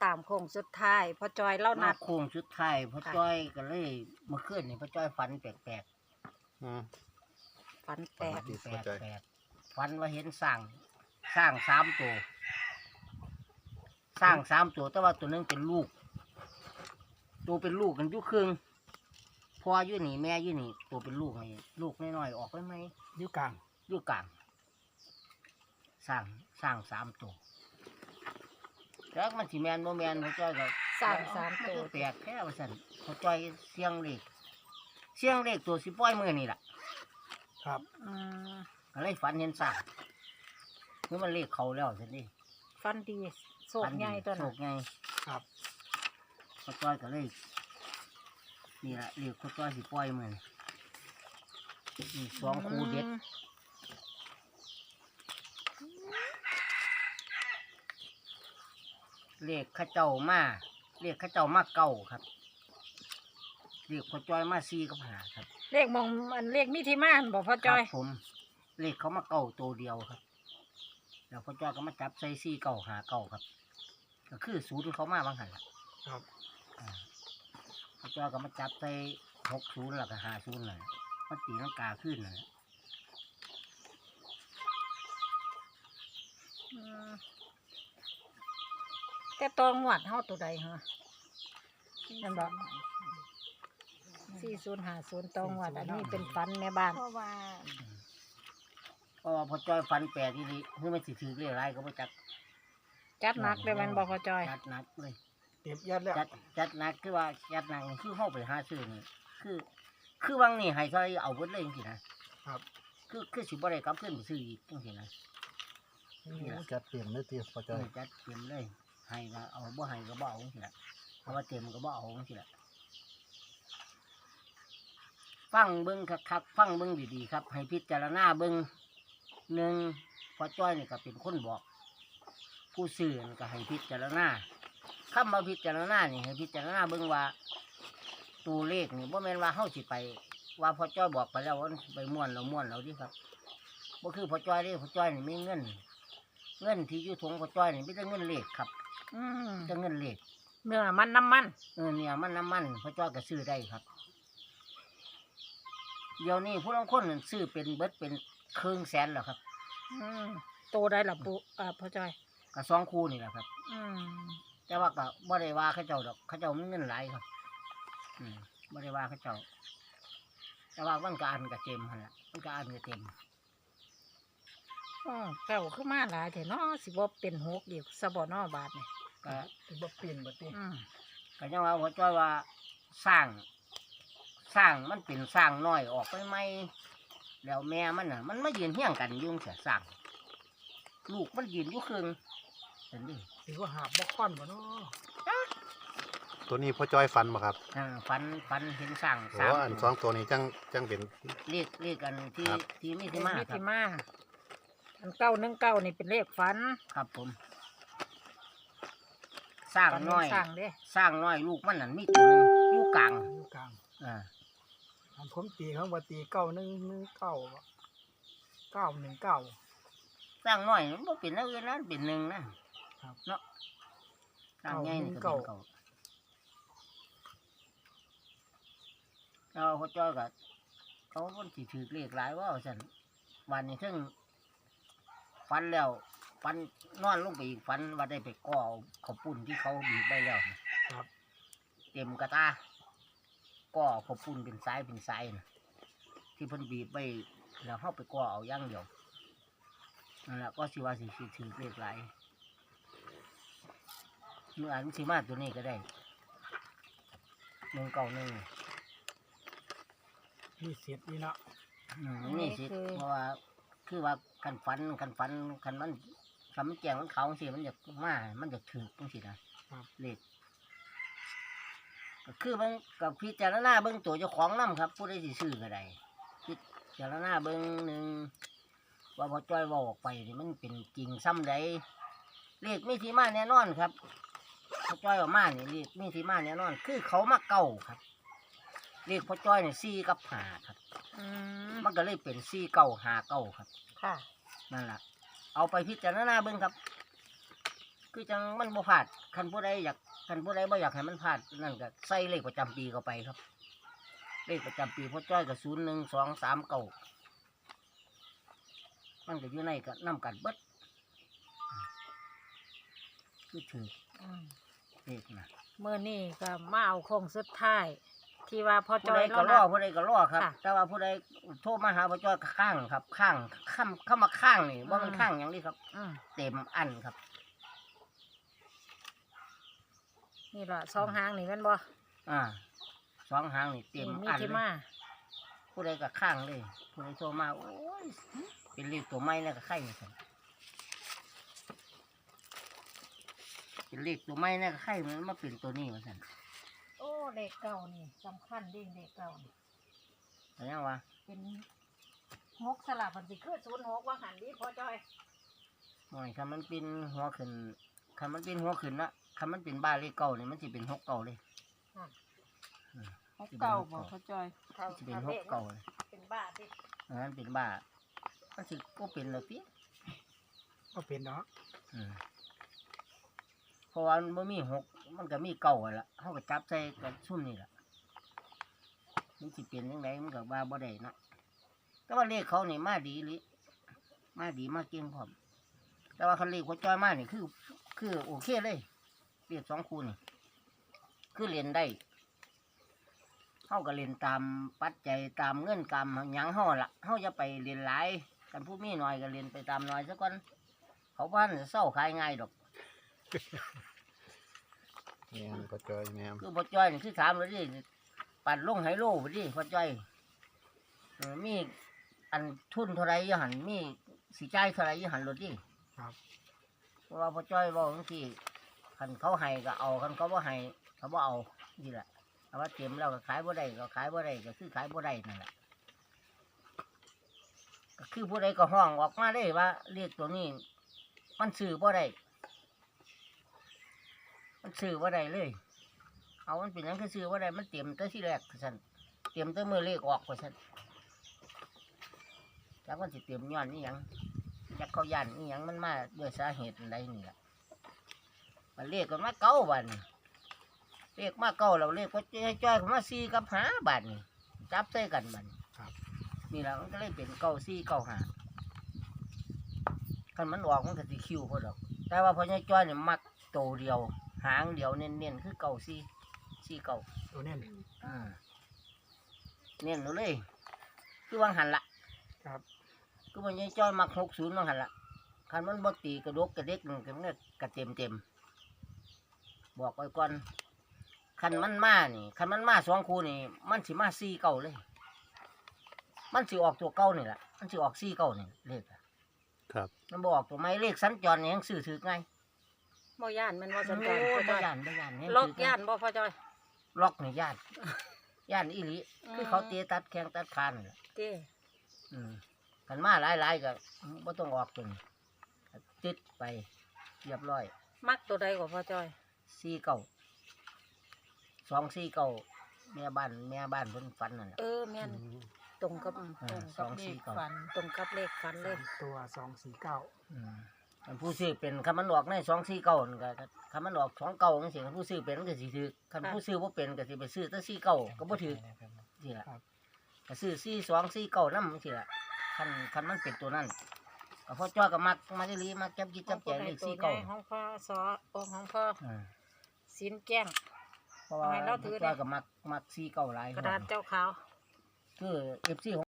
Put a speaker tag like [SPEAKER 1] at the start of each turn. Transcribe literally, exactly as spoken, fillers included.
[SPEAKER 1] ตามโค้งสุดท้ายพ่อจอยเล่านั
[SPEAKER 2] มา
[SPEAKER 1] ด
[SPEAKER 2] โค้งสุดท้ายพ่อจ้อยก็เลยเมื่อคืนนี่พ่อจ้อยฝันแปลก
[SPEAKER 3] อืม
[SPEAKER 1] ฝันแป
[SPEAKER 2] ๆ
[SPEAKER 1] ด
[SPEAKER 2] ฝัน
[SPEAKER 3] ดี
[SPEAKER 2] แป
[SPEAKER 3] พ่อจ้อย
[SPEAKER 2] ลกๆฝันว่าเห็นสร้างสร้างสามตัวสร้างสามตัวแต่ว่าตัวหนึงเป็นลูก ตัวเป็นลูกกันอยุครึ่งพ่ออยู่นี่แม่อยู่นี่ตัวเป็นลูกนี่ลูกน้อยๆออกได้ไหม
[SPEAKER 4] อยู่กลาง
[SPEAKER 2] อยู่กลางสร้างสร้างสามตัวแล้วมันสิแมนโมแมนพ่อจ้อยก็
[SPEAKER 1] สร้างสามตัว
[SPEAKER 2] นก็แปลกแค่ว่าสันพ่อจ้อยเสียงเลขเสียงเลขตัวสิป้อยมือนี่แหละ
[SPEAKER 4] ครับ
[SPEAKER 1] อืม
[SPEAKER 2] ก็เลยฝันเห็นสร้างเมื่อมันเลขเขาแล้วสินี่
[SPEAKER 1] ฟันดีโศกใหญ่ตัว
[SPEAKER 2] โศ
[SPEAKER 1] นั้น
[SPEAKER 2] กใหญ่
[SPEAKER 4] ครับ
[SPEAKER 2] พ่อจ้อยก็เลยนี่แหละเลขพ่อจ้อยสิป้อยมือนี่สองคู่เด็ด เรียกข้าเจ้ามาเรียกข้าเจ้ามาเก่าครับเรียกพ่อจ้อยมาซีกับหาครับ
[SPEAKER 1] เลขมองมันเลขมิถิมานบอกพ่อจอย
[SPEAKER 2] ครับผมเรียกเขามาเก่าตัวเดียวครับแล้วพ่อจ้อยก็มาจับใส่ซีเก่าหาเก่าครับ ก็คือศูนย์เขามาบางหันล่ะ
[SPEAKER 4] ครับ
[SPEAKER 2] อ่าพ่อจ้อยก็มาจับใส่หกศูนย์แล้วก็หาศูนย์เลยมันตีลังกาขึ้นเลย
[SPEAKER 1] อืมแต่ตองหวัดเฮาตัวใดฮะนั่นบอกสี่ศูนย์ห้าศูนย์ตองหวัดอันนี้เป็นฟันในบ้าน
[SPEAKER 5] เพราะว่า
[SPEAKER 2] เพราะว่าพ่อจ้อยฟันแปลกที่นี่เพื่อไม่สิถือเรียอะไรก็ไม่จัก
[SPEAKER 1] จัดหนักเลยมันบอกพ่อจอย
[SPEAKER 2] จัดหนักเลย
[SPEAKER 4] เต็มยัดแล้ว
[SPEAKER 2] จัดจัดหนักคือว่าจัดหนักนี่คือเข้าไปหาซื้อนี่คือ คือวังนี่ให้เขาเอาเบิดเลยจริงๆนะครับ คือคือสิบ่ได้กลับขึ้นไปซื้ออีกจริงๆนะ
[SPEAKER 3] จัดเปลี่ยนเลยทีพ่อจ้อย
[SPEAKER 2] นี่จัดเต็มเลยให้ก็เอาบ่ให้ก็บ่เอาจริงๆนะเพราะว่าเต็มก็บ่เอาจริงๆนะฟังเบิ้งคักๆฟังเบิ้งดีๆครับ ให้พิจารณาเบิ้งหนึ่งพอจ้อยนี่ก็เป็นคนบอก ผู้ซื้อนี่ก็ให้พิจารณาคำว่าพิจารณานี่ให้พิจารณาเบิ้งว่าตัวเลขนี่บ่แม่นว่าเฮาสิไป ว่าพอจ้อยบอกไปแล้วว่าไปม่วนเราม่วนเราดิครับบ่คือพอจ้อยเด้พอจ้อยนี่มีเงิน เงินที่อยู่ถุงพอจ้อยนี่มีแต่เงินเลขครับ
[SPEAKER 1] อืม
[SPEAKER 2] มีแต่เงินเลข
[SPEAKER 1] เนื้อมันน้ำมัน
[SPEAKER 2] เออเนี่ยมันน้ำมันพอจ้อยก็ซื้อได้ครับเดี๋ยวนี้ผู้ลางคนนั่นซื้อเป็นเบิดเป็นครึ่งแสนแล้วครับ
[SPEAKER 1] อืมโตได้หรอปุอ่าพ่อจอย
[SPEAKER 2] ก็สองคู่นี่แหละครับ
[SPEAKER 1] อืม
[SPEAKER 2] แต่ว่าก็บ่ได้ว่าเขาเจ้าดอกเขาเจ้ามีเงินหลายครับ อืมบ่ได้ว่าเขาเจ้า แต่ว่ามันก็อันก็เต็มหั่นล่ะมันก็อันก็เต็ม
[SPEAKER 1] อ๋อเก่าขึ้นมาหลายแต่เนาะสิบ่เป็นหกอีกสะบ่เนอบาทนี่
[SPEAKER 2] ก็
[SPEAKER 4] ถือว่าเปลี่ยนบัดนี้
[SPEAKER 1] อืม
[SPEAKER 2] ก็ยังว่าหัวจ้อยว่าสร้าง สร้างมันเป็นสร้างน้อยออกไปไหมแล้วแม่มันน่ะ มันมายืนเฮี้ยงกันอยุ่จั่งเสียสร้าง ลูกมันยืนอยู่ครึ่งเห็นดิ
[SPEAKER 4] ถือว่าหาบบ่ค่อนบ่เนาะ
[SPEAKER 3] ตัวนี้พ่อจ้อยฟันมาครับ
[SPEAKER 2] อ่าฟันฟันเห็นสร้าง
[SPEAKER 3] โอ้
[SPEAKER 2] สาม
[SPEAKER 3] อันสองตัวนี้จังจังเป็น
[SPEAKER 2] เรียกเรียกกันที่
[SPEAKER 3] ครับ
[SPEAKER 2] ที่มิ
[SPEAKER 1] เล
[SPEAKER 2] ถิ
[SPEAKER 1] ข
[SPEAKER 2] มา
[SPEAKER 1] มิ
[SPEAKER 2] ครั
[SPEAKER 1] ถิ
[SPEAKER 2] บ
[SPEAKER 1] มาอันเก้าหนึ่งเก้านี่เป็นเลขฝัน
[SPEAKER 2] ครับผม สร้าง
[SPEAKER 1] ฝัน
[SPEAKER 2] น้อย
[SPEAKER 1] สร้างเด้
[SPEAKER 2] สร้างน้อยลูกมันนั่นมีตัวหนึงอยู่กลาง
[SPEAKER 4] อยู่กลาง
[SPEAKER 2] อ่า
[SPEAKER 4] อันผมตีเขาว่าตีเก้าหนึ่งหนึ่งเก้าเก้าหนึ่งเก้า
[SPEAKER 2] สร้างน้อยมันบ่เป็นอะไรอื่นนะเป็นหนึ่งนะครับ เนาะสร้างใหญ่นี่ก็เป็นเก่าเราเขาจ้อยกับเขาคนสิถือเลขหลายว่าสันวันนี้ถึงฟันแล้วฟันนอนลงไปอีกฟันว่าได้ไปก่อเอาข้าวปุ้นที่เขาบีบไปแล้วนะครับ เต็มกระตาก่อข้าวปุ้นเป็นสายเป็นสายนะที่เพิ่นบีบไปแล้วเข้าไปก่อเอาอย่างเดียวนั่นแหละก็สิว่าสิสิถือเลขหลายเมื่ออันสิมาตัวนี้ก็ได้หนึ่งเก้าหนึ่ง
[SPEAKER 4] มีเศษนี่เนาะ
[SPEAKER 2] อืมนี่สิเพราะว่าคือว่ากันฟันกันฟันกันมันคำมันแจงมันเขาสิมันจะมามันจะถือจังสินะเลขก็คือมันกับพิจารณาเบิ้งตัวเจ้าของน้ำครับผู้ใดสิซื้อก็ได้พิจารณาเบิ้งหนึ่งว่าพอจ้อยว่าออกไปนี่มันเป็นจริงซ้ำใดเลขมีที่มาแน่นอนครับพอจ้อยออกมานี่เลขมีที่มาแน่นอน คือเขามาเก่าครับเลขพอจ้อยนี่สี่กับหาครับ
[SPEAKER 1] อืม
[SPEAKER 2] มันก็เลยเป็นสี่เก้าหาเก้าครับ
[SPEAKER 1] ค่ะ
[SPEAKER 2] นั่นแหละเอาไปพิจารณาเบิ่งครับคือจังมันบ่พลาดคันผู้ใดอยากคันผู้ใดบ่อยากให้มันพลาดนั่นก็ใส่เลขประจำปีเข้าไปครับ เลขประจำปีพ่อจ้อยก็ศูนย์หนึ่งสองสามเก้ามันก็อยู่ในก็นำกันเบิดคือถือ
[SPEAKER 1] อืม
[SPEAKER 2] เลขนะ
[SPEAKER 1] เมื่อนี่ก็มาเอาโค้งสุดท้าย ที่ว่าพ่อจ
[SPEAKER 2] ผู้
[SPEAKER 1] อ
[SPEAKER 2] ใด
[SPEAKER 1] ย
[SPEAKER 2] ก็
[SPEAKER 1] เนาะ
[SPEAKER 2] รอ
[SPEAKER 1] นะ
[SPEAKER 2] ผู้ใดก็รอครับ
[SPEAKER 1] ค่ะ
[SPEAKER 2] แต่ว่าผู้ใดโทรมาหาพ่อจ้อยก็ข้างครับ ข้างข้ามเข้ามาข้างนี่ว่ามัน
[SPEAKER 1] อืม
[SPEAKER 2] ข้างอย่างนี้ครับ
[SPEAKER 1] อืม
[SPEAKER 2] เต็มอันครับ
[SPEAKER 1] นี่ล่ะสองหางนี่แม่นบ่
[SPEAKER 2] อ่าสองหางนี่เต็ม
[SPEAKER 1] นี่มี
[SPEAKER 2] อัน
[SPEAKER 1] ที่
[SPEAKER 2] เลย
[SPEAKER 1] มา
[SPEAKER 2] ผู้ใดก็ข้างเลย ผู้ใดโทรมาโอ้ยเป็นเลขตัวไม้เนี่ยก็ไข่ครับเป็นเลขตัวไม้เนี่ยก็ไข่มันมาเป็นตัวนี้มาสั่น
[SPEAKER 1] โอ้เลขเก่านี่สำคัญเดิเลขเก่านี่
[SPEAKER 2] แต่ยังวะ
[SPEAKER 1] เป็นหกสลับมันสิคือศูนย์หกว่าหันดิพ่อจอย
[SPEAKER 2] หน่อยคันมันเป็นหัวขึ้นคันมันเป็นหัวขึ้นละคันมันเป็นบ้านเลขเก่านี่มันจะเป็นหกเก่าเลย
[SPEAKER 5] หกเก้าบอกพ่อจอย
[SPEAKER 1] ถ้า
[SPEAKER 2] มันจะเป็น
[SPEAKER 1] ถ้า
[SPEAKER 2] ห
[SPEAKER 1] เล
[SPEAKER 2] ก
[SPEAKER 1] ข
[SPEAKER 2] เก่าเลย
[SPEAKER 1] เป็นบ้าดิ
[SPEAKER 2] อันนั้นเป็นบ้ามันสิก็เป็นเลยพี่
[SPEAKER 4] ก็เป็นเนาะ
[SPEAKER 2] อืมเพราะว่ามันบ่มีหกมันก็มีเก่าอะละเขาก็จับใส่กับซุ่มนี่แหละมันสิเป็นยังไงมันก็บ้าบ่ได้เนาะแต่ว่าเลขเขานี่มาดีลิมาดีมาเก่งพร้อมแต่ว่าคันเลขหัวจอยมานี่คือ คือโอเคเลยเลขสองคูนี่คือเรียนได้เขาก็เรียนตามปัจจัยตามเงื่อนกรรมหยังเขาละเขาจะไปเรียนหลายกันผู้มีหน่อยก็เรียนไปตามหน่อยซะก่อนเขาบ้านจะเศร้าขายง่ายดอก
[SPEAKER 3] แม่นพ่อจอยแม่น
[SPEAKER 2] คือพ่อจ้อยนี่คือถามเลยดิปัดลงไฮโลไปดิพ่อจ้อยเออมีอันทุนเท่าไรอยี่หันมีสีใจายเท่าไรอยี่หันรถดิ
[SPEAKER 4] ครับ
[SPEAKER 2] เพราะว่าพ่อจ้อยบอกบางทีคันเขาให้ก็เอาคันเขาบ่ให้เขาบ่เอานี่แหละเอาว่าเต็มแล้วก็ขายบ่ได้ก็ขายบ่ได้ก็คือขายบ่ได้นั่นแหละก็คือผู้ใดก็ห้องออกมาได้ว่าเรียกตัวนี้ มันซื้อบ่ได้มันซื้อบ่ได้เลย เอามันเป็นหยังคือซื้อบ่ได้มันเตรียมแต่ที่แรกฉันเตรียมแต่มือเลขออกกว่าฉันจากมันสิเตรียมย้อนนี่ยังจากเขายันนี่ยังมันมาด้วยสาเหตุอะไรนี่แหละมันเลขกันมาเก้าบาทนี่เลขมาเก้าเราเลขก็จ้อยๆเข้ามาสี่กับหาบาทนี่จับใส่กันมัน
[SPEAKER 4] ครับ
[SPEAKER 2] นี่แหละมันก็เลยเป็นเก้าสี่เก้าหาคันมันออกมันก็สิคิวพอดอก แต่ว่าพอจ้อยๆเนี่ยมักโตเดียว หางเดียวเน้นๆคือเก้าสี่สี่เก้า
[SPEAKER 4] ตัวเน้น
[SPEAKER 2] อ่าเน้นเอาเลย คือวางหันละ
[SPEAKER 4] ครับ
[SPEAKER 2] คือมันจ้อยๆมักหกศูนย์วางหันละคันมันบ่ตีกระดกกระเด็กมันก็มันก็กระเต็มเต็มๆบอกไว้ก่อนคันมันมานี่คันมันมาสองคู่นี่ มันสิมาสี่เก้าเลย มันสิออกตัวเก้านี่แหละมันสิออกสี่เก้านี่เลขอะ
[SPEAKER 3] ครับ
[SPEAKER 2] มันบออกตัวไม้เลขสัญจรนี่ยังซื้อถือไง
[SPEAKER 1] บ่ย่านแมันว่าสัญ
[SPEAKER 2] โอ้
[SPEAKER 1] จรพ่อย จ
[SPEAKER 2] บ่
[SPEAKER 1] อย
[SPEAKER 2] ย่านบ่ย่านแฮง
[SPEAKER 1] ล็อก
[SPEAKER 2] ถื
[SPEAKER 1] ย่านบ่พ่อจอย
[SPEAKER 2] ล็อกนี่ย่านย่านอีหลี
[SPEAKER 1] อืม
[SPEAKER 2] คือเขาเตะตัดแข้งตัดขานี่แหละ
[SPEAKER 1] เจ้
[SPEAKER 2] อืมกันมาหลายๆก็บ่ต้องออกตัวนี้ติดไปเรียบร้อย
[SPEAKER 1] มักตัวใดกว่าพ่อจอย
[SPEAKER 2] สี่เก้าสองสี่เก้าแม่บ้านแม่บ้านเพิ่นฝันนั่นแหละ
[SPEAKER 1] เออแม่นตรงกับ
[SPEAKER 2] อ่า
[SPEAKER 1] ตรง
[SPEAKER 2] ส
[SPEAKER 1] กั
[SPEAKER 2] อบ ง
[SPEAKER 1] เล
[SPEAKER 2] สี่
[SPEAKER 1] ข
[SPEAKER 2] เก้า
[SPEAKER 1] ฝันตรงกับเลขฝันเลย
[SPEAKER 4] ตัวสองสี่เก้า
[SPEAKER 2] อืมคันผู้ซื้อเป็นคันมันออกในสองสี่เก้านั่นก็คันมันออกสองเก้าจังซี่คันผู้ซื้อเป็นก็สิถือคันผู้ซื้อบ่เป็นก็สิไปซื้อแต่สี่เก้าก็บ่ถือนี่ล่ะ ก็ซื้อสี่สองสี่เก้านั่นสิละคันคันมันเป็นตัวนั้นก็พ่อจ้อยก็มักมาได้ลีมักจับกินจับแจงเลขสี่เก้า
[SPEAKER 1] ของพ่อสอโอของพ่อ
[SPEAKER 2] อ่า
[SPEAKER 1] สินแก้ง
[SPEAKER 2] เพราะว่า
[SPEAKER 1] ให้เราถื
[SPEAKER 2] พ่
[SPEAKER 1] อ
[SPEAKER 2] อ
[SPEAKER 1] นะ
[SPEAKER 2] จ้อยก็มักมักสี่เก้าหลาย
[SPEAKER 1] กระดาษเจ้าขาว
[SPEAKER 2] คือเอฟซี